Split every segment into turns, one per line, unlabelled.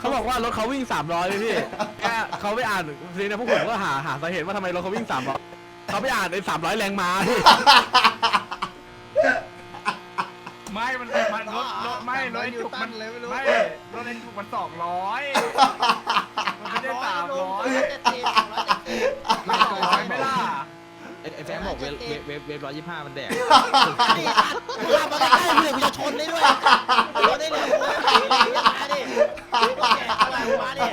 เขาบอกว่ารถเขาวิ่ง300เลยพี่แค่เขาไปอ่านทีนี้พวกผมก็หาสาเหตุว่าทำไมรถเขาวิ่ง300เขาไปอ่านใน300แรงม้าพี่
ไม่มันรถไม่รถไอ้จุกมันไม่รถไอ้จุกมัน200มันไม่ได้300ไม่200ไม่ล่ะ
ไอ้แฟนบอกเวฟ125มันแดก
นี่กูขับมาใกล้ๆเลยกูจะชนได้ด้วยชนได้เลยกูมาดิมาดิ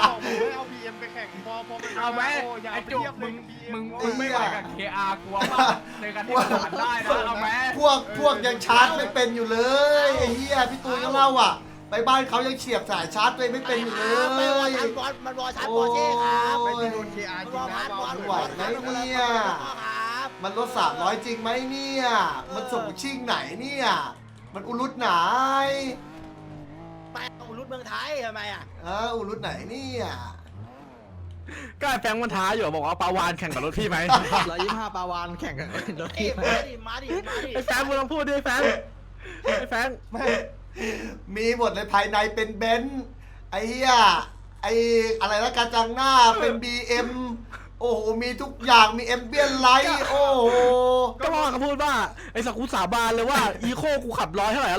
เอาไหมไอ้จุกมึงไม่ไหวกับ KR กลัวป่ะในการที่มันผ่านได้นะเอาไหม
พวกยังชาร์จไม่เป็นอยู่เลยไอ้เหี้ยพี่ตูนก็เล่าอ่ะไปบ้านเขายังเฉียบสายชาร์จตัวเองไม่เป็นอยู่เลย
มันวอชาร์จบอเช่ครับ
โอ้ย
มันวอชาร์จบอ
ไหวไหมเนี่ยมันลด300จริงไหมเนี่ยมันส่งชิ่งไหนเนี่ยมันอุลุตไหน
ไปอุรุตเมืองไทยทำไมอ่ะ
อุลุตไหนเนี่ย
ก็ไอ้แฟงมันท้าอยู่บอกว่าปาวานแข่งกับรถพี่ไหม
125ปาวานแข่งกันรถ
เอ้
ที่
มาดิ
ไอ้แฟงมึงลองพูดดิไอ้แฟงไอ้แฟง
มีหมดเลยภายในเป็นเบนซ์ไอ้เหี้ยไอ้อะไรนะกระจังหน้าเป็น BM โอ้โหมีทุกอย่างมีเอมเบียนไลท์โอ้โห
ก็บอกเขาพูดว่าไอ้สักกูสาบานเลยว่าอีโคกูขับ100เท่าไหร่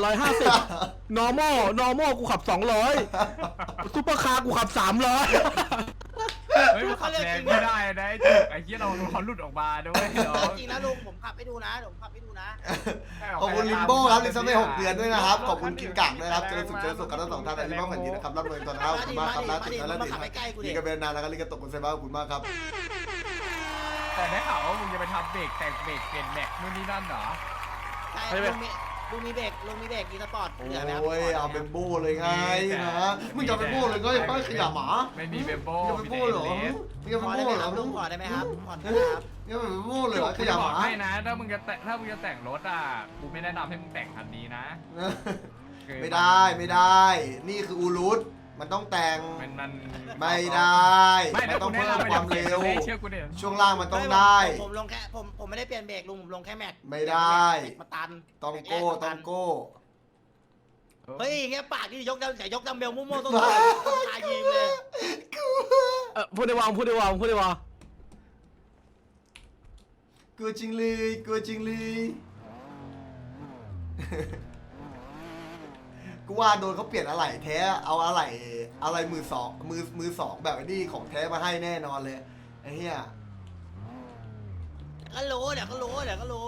150normal กูขับ200ซุปเปอร์คาร์กูขับ300
เฮ้ยมันขับแรงไม่ได้นะไอ้จุกไอ้เหี้ยเราหลุดออกมาด้วยน้อง
จริงนะลุงผมขับให้ดูนะผมขับให้ดูนะ
ขอบคุณลิมโบ้ครับลิมซัมเบ้6 เดือนด้วยนะครับขอบคุณกินกังด้วยครับเจอสุขกันทั้งสองท่านลิมโบ้แผ่นดินนะครับรับเงินตอนนะครับขอบคุณมากครับล่าสุดแล้วติดมีกระเบนนานแล้วก็ลิกระตกคุณเซบ้าขอบคุณมากครับ
แต่ได้ข่าวว่ามึงจะไปทำเบรกแต่งเบรกเปลี่ยนแม็กนู่นนี่นั่นเหรอ
ใช่ลุงมีเบรกอีสปอร์ต
โอ้ยเอาเป็นโบ้เลยไงนะมึงจะเป็นโบ้เลยก็ยังไม่ขยับหมา
ไม่มีเบมโบ
มึงจะเป็นโบ้เหรอมึงจะ
ข
เป็น
อได้
โบ้
ไหม
เหร
ค
อ
รับลุงขอได้ไหมครับผ่อนครับ
มึงจะเป็นโบ้เลยเหรอข
กู
ยั
จะ
บบ ห
อก
มา
ให้นะถ้ามึงจะแต่งรถอ่ะกูไม่แนะนำให้มึงแต่งคันนี้นะ
ไม่ได้นี่คืออูรุตมันต้องแต่ง
มัน
ไม่ได้
ไม่
มันต้องเพิ่มความเร็ว
เชื่อกูเนี่ย
ช่วงล่างมันต้องได้
ผมลงแค่ผมไม่ได้เปลี่ยนเบรกลุงผมลงแค่แม็ก
ไม่ได้
มาตัน
ต้องโก้ต้องโก้
เฮ้ยเงี้ยปากที่ยกดัมเบลมั่วๆต้องตายยิงเลย
พูดได้วางพูดได้วางพูดได้วาง
กลัวจริงเลยกลัวจริงเลยกูว่าโดนเขาเปลี่ยนอะไรแท้เอาอะไรมือสองแบบนี้ของแท้มาให้แน่นอนเลยไอ้เหี้ย
ก็รู้เดี๋ยวก็รู้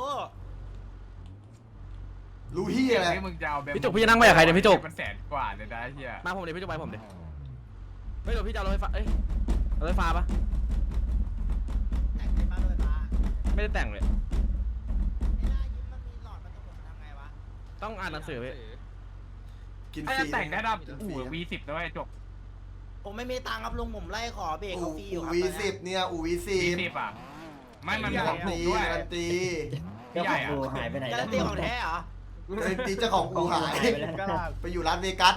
รู้เหี้ยอะไร
มึงจะเอาแบบ
พี่จุกพี่จะนั่งไปกับใครเนี่ยพี่จุก
มันแสนกว่าเลยนะเฮีย
มาผมเดี๋ยวพี่จุกไปผมเดี๋ยวไม่เดี๋ยวพี่จะเอารถไฟฟ้าเอ้ยรถไฟฟ้าปะ
แต่งในบ้านด้วยปะ
ไม่ได้แต่งเลย
ไม่ได้ยิ้มมันมีหลอดมันจะหมดทำไงวะ
ต้องอ่านหนังสือพี่
กินฟ
ถ้า
รี
จะแต่งแนะนำอู่ V10 ด้วยจบ
ผมไม่มีตังค์ครับลุงผมไล่ขอเบรก
อู
เขาฟรีอยู่ครับ
V10เนี่ยอู V10
V10 อ่ะไม่มัน
กา
ข
รั
อง
น
ถู
ตี
กด้วย
การันตี
พี่ใหญ่อะ
หายไปไหน
การันตีของแท้เหรอ
การันตีเจ้าของอูหายไปอยู่ร้านเวกัส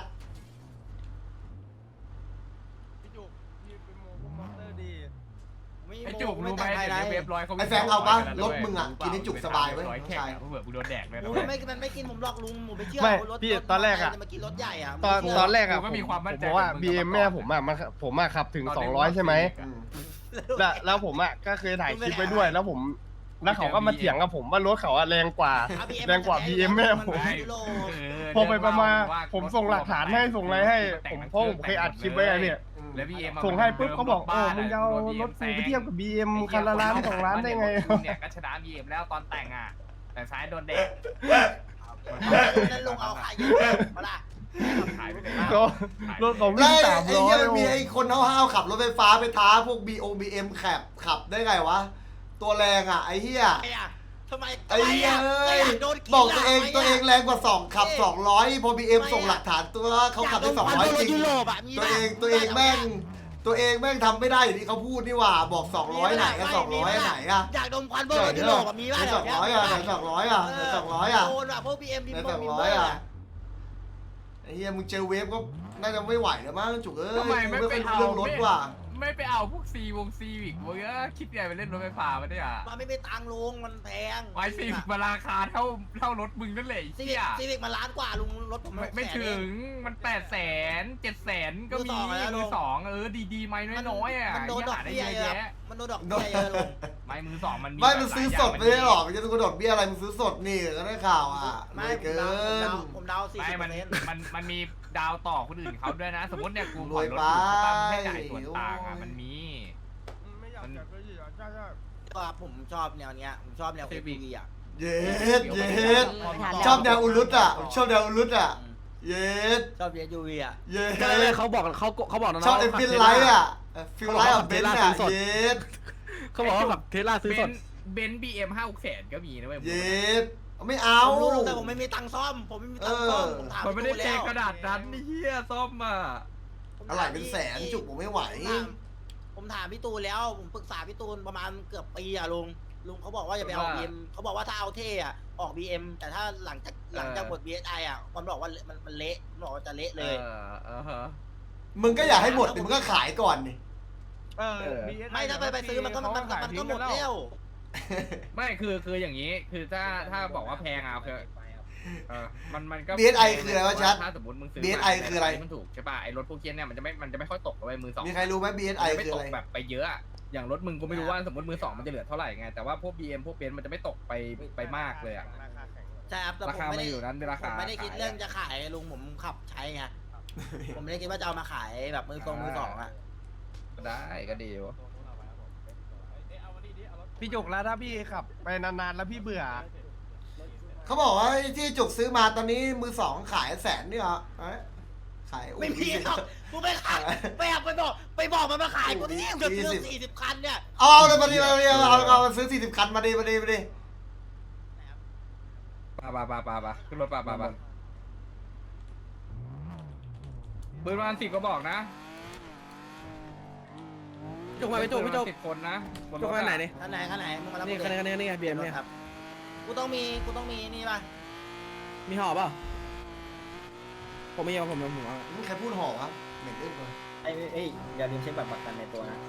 ไอ้จุกรู้ไหมเดี๋ยวเว็บร้อยเขา
ไอ้แฟงเอาปะรถมึงอ่ะกินให้จุกสบายเว้ย
ร้อยแข่
ใช่
งเผื่อกูโดนแดกเลยนะ
โอ้
เว้
ย
ย
มันไม่กินผมหลอกลุงผมไปเชื่อ
ไม่
รถ
พี่ตอนแรกอะ
มากินรถใหญ่อะ
ตอนแรกอะ
กูก็มีความมั่นใจ
ผมบอกว่า
กับมึง
BM แม่ผมอะผมอะขับถึง200ใช่ไหม
อืม
แล้วผมอะก็เคยถ่ายคลิปไว้ด้วย แล้วเขาก็มาเถียงกับผมว่ารถเขาอะแรงกว่า BM แม่ผม พอไปประมาณผมส่งหลักฐานให้ส่งอะไรให้เพราะผมเคยอัดคลิปไว้อะเนี่ย
แล้ว BM
ส่งให้ปุ๊บเขาบอกมึงจะเอารถกูไปเทียบกับ BM คันละล้าน2 ล้านได้ไง
เนี่ยก็ชนะ BM แล้วตอนแต่งอ่ะแต่ซ้ายโดนแดก
แล้วลุงเอาขายเยอะมาละ
ขายไปเลย
ก็รถเขา
แล้
วิ่ง
วไอ้เหี้ยมันมี
300
ไอ้คนห้าวๆขับรถไฟฟ้าไปท้าพวก BM ขับได้ไงวะ ตัวแรงอ่ะไอ้เหี้ย
ทำไม
ไอ้เหี้ยเอ้ยบอกตัวเองแรงกว่า2ขับ200พอ BM ส่งหลักฐานตัวเขาขับได้200จริงตัวเองแม่งทำไม่ได้อย่างที่เขาพูดนี่หว่าบอก200ไหนก็200ไหนอ่ะ
อยากดมควันเบอร์ยุโรปมีบ้าง
200อ่ะไหน200อ่ะไหน200อ่ะ
โดนแบบพวก BM
ไหน200อ่ะไอ้เหี้ยมึงเจอเวฟก็น่าจะไม่ไหวแล้วมั้งจุกเอ้ยไม่เป็นเรื่องรถว่ะ
ไม่ไปเอาพวกซีวิกมึงก็คิดไงไปเล่นรถไฟฟ้ามาเนี่ย
มันไม่มีตังค์ลุงมันแพง
ไว้ซีวิกมาราคาเท่ารถมึงนั่นแหละ
ซี
เหี้
วิก
ย
ซีวิกมันล้านกว่าลุงรถผม
ไม่ถึงมัน800,000 700,000ก็มี
มือสอง
ดีๆไหมน้อยๆอ่ะ
มันโดนดอกเบี้ยเยอะมันโดนดอกเบี้ยเยอะลุง
ไม่มือสองมันมี
ไม่มันซื้อสดไม่ได้หรอกมันจะต้องกระโดดเบี้ยอะไรมันซื้อสดนี่ก็ได้ข่าวอ่ะ
ไม่
เกิน
ผมเดา40%
ไม่มันมีดาวต่อคนอื่นเขาด้วยนะ สมมติเนี่ยกู
ร
ผ่
ว
อน
ย
รถ
ไป
อยู่ใช่ป่ะมึงให้จ่ายส่วนต่างอ่ะมันมี
ไม่อยากจัดเลยใช่
ก็ผมชอบแนวเนี้ยผมชอบแนว KPV อ่ะ
เย็ดชอบแนวอุลุตอ่ะชอบแนวอุลุตอ่ะเย็ด
ชอบ SUV อ่ะ
เย็
ก็เลย
ด
เขาบอกน้องๆ
ชอบเอ็มฟิลไลท์อ่ะฟิลไลท์อ่ะเบนซ์อ่ะเย็ด
เขาบอกว่าแบบเทสลาซื้อสด
เบนซ์BM 5-600,000ก็มีนะเว้ย
เย็ดไม่เอา
ผมรู้แต่ผมไม่มีตังค์ซ่อมผมไม่มีตังค์ซ่อมผมถาม
มันไม่ได้
พี่
เท
ตู้
กระดาษนั้นนี่เฮียซ่อมอ่ะ
อะไรเป็นแสนจุกผมไม่ไหว
ผมถามพี่ตูนแล้วผมปรึกษาพี่ตูนประมาณเกือบปีอ่ะลุงเขาบอกว่าจะไปเอา BM เขาบอกว่าถ้าเอาเท่อะออก BM แต่ถ้าหลังจากหมด BSI อ่ะมันบอกว่ามันเละมันบอกว่าจะเละเลย
มึงก็อยากให้หมดดิมึงก็ขายก่อนนี่
ไม่ถ้าไปซื้อมันก็หมดแล้ว
ไม่คืออย่างนี้คือถ้าบอกว่าแพงอ่ะคือมันก็
BSI คืออะไรวะชัด
ถ้าสมมติมึงซื้อ
BSI คืออะไร
มันถูกใช่ป่ะไอ้รถพวกเคียนเนี่ยมันจะไม่ค่อยตกเลยมือสอง
มีใครรู้ไหม BSI
ไม่
คือ
ต
อะ
ก
ไร
แบบไปเยอะอะอย่างรถมึงก็ไม่รู้ว่าสมมติมือสองมันจะเหลือเท่าไหร่ไงแต่ว่าพวก BM พวกเบนซ์มันจะไม่ตกไปมากเลยอ่ะ
ใช่ครับแต่
ราคามันอยู่นั้นเป็นรา
ผ
คาม
ไม่ได้คิดเรื่องจะขายลุงผมขับใช้ไงผมไม่ได้คิดว่าจะเอามาขายแบบมือสองอ่ะ
ได้ก็ดีวะ
พี่จุกแล้วถ้าพี่ขับไปนานๆแล้วพี่เบื่อ
เขาบอกว่าที่จุกซื้อมาตอนนี้มือสองขายแสนนี่เหรอขาย
ไม่มีหรอกกูไม่ขายไปบอกมันมาขายกูที่เกือบ40 คันเนี่ย
เอาเลยมาดิเอาซื้อ40 คันมาดิ
ปาขึ้นรถปาปืนวัน10ก็บอกนะ
จุกมาไปจุกพี่จุก
10 คนนะบนร
จุก
ถ
มาไหนนี่
คันไหนมึงมารับ
นี่คันนี้เบียร์เนี่ย
ครับกูต้องมีนี่ป่ะ
มีห่อเปล่าผมไม่ยอมผมเอา
ใครพูดห่อวะเหม็นเอื้อนเลย
ไอ้อย่าลืมเช็คแบบประกันในตัวนะ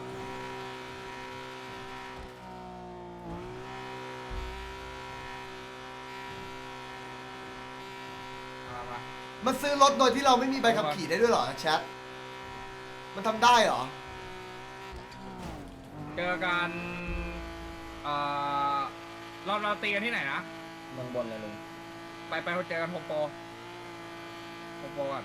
มา
มันซื้อรถโดยที่เราไม่มีใบขับขี่ได้ด้วยเหรอแชทมันทำได้เหรอ
เจอกันเราตีกันที่ไหนนะ
เมืองบนเลยลุง
ไปเจอกันโฮมโปรก่อน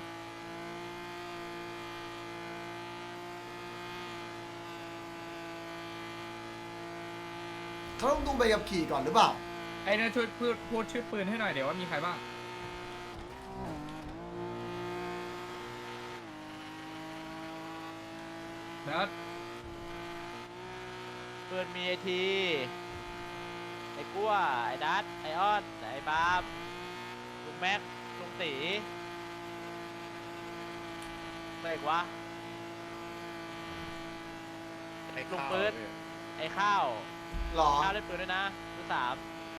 เขาต้องดูใบขับขี่ก่อนหรือเปล่า
ไอ้เนี่ยช่วยพูดชื่อปืนให้หน่อยเดี๋ยวว่ามีใครบ้างเนิร์ด
ปืนมีไอทีไอ้กั้วไอ้ดัตไอออนไอ้บาล์มลุงแม็กลุงตีอะไรอีกวะลุงปืนไอ้ข้าว
หรอ
ข้าวเล่นปืนด้วยนะมือ3